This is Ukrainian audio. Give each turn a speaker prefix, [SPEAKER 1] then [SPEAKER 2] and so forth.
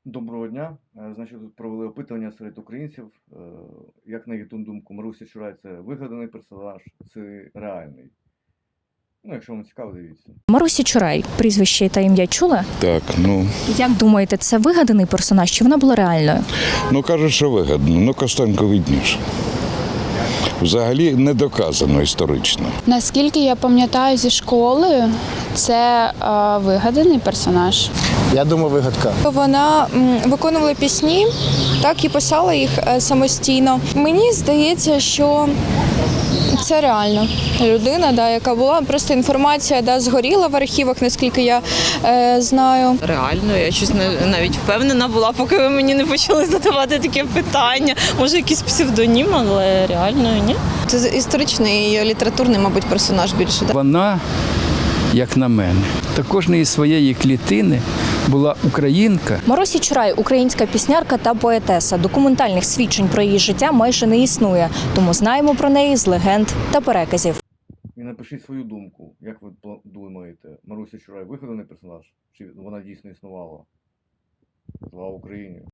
[SPEAKER 1] Доброго дня. Значить, тут провели опитування серед українців. Як на їхню думку, Маруся Чурай це вигаданий персонаж, це реальний. Ну, якщо вам цікаво, дивіться.
[SPEAKER 2] Марусі Чурай, прізвище та ім'я чули?
[SPEAKER 3] Так,
[SPEAKER 2] Як думаєте, це вигаданий персонаж, чи вона була реальною?
[SPEAKER 3] кажуть, що вигідно, Костенко видніше. Взагалі не доказано історично.
[SPEAKER 4] Наскільки я пам'ятаю зі школи, це вигаданий персонаж.
[SPEAKER 5] Я думаю, вигадка.
[SPEAKER 6] Вона виконувала пісні, так і писала їх самостійно. Мені здається, що це реально людина, яка була. Просто інформація згоріла в архівах, наскільки я знаю.
[SPEAKER 7] Реально, я щось навіть впевнена була, поки ви мені не почали задавати таке питання. Може, якийсь псевдонім, але реально ні.
[SPEAKER 6] Це історичний і літературний, мабуть, персонаж більше.
[SPEAKER 8] Вона, як на мене, та кожної своєї клітини була українка.
[SPEAKER 2] Марусі Чурай – українська піснярка та поетеса. Документальних свідчень про її життя майже не існує, тому знаємо про неї з легенд та переказів.
[SPEAKER 1] І напишіть свою думку. Як ви думаєте, Маруся Чурай вигаданий персонаж? Чи вона дійсно існувала? Слава Україні!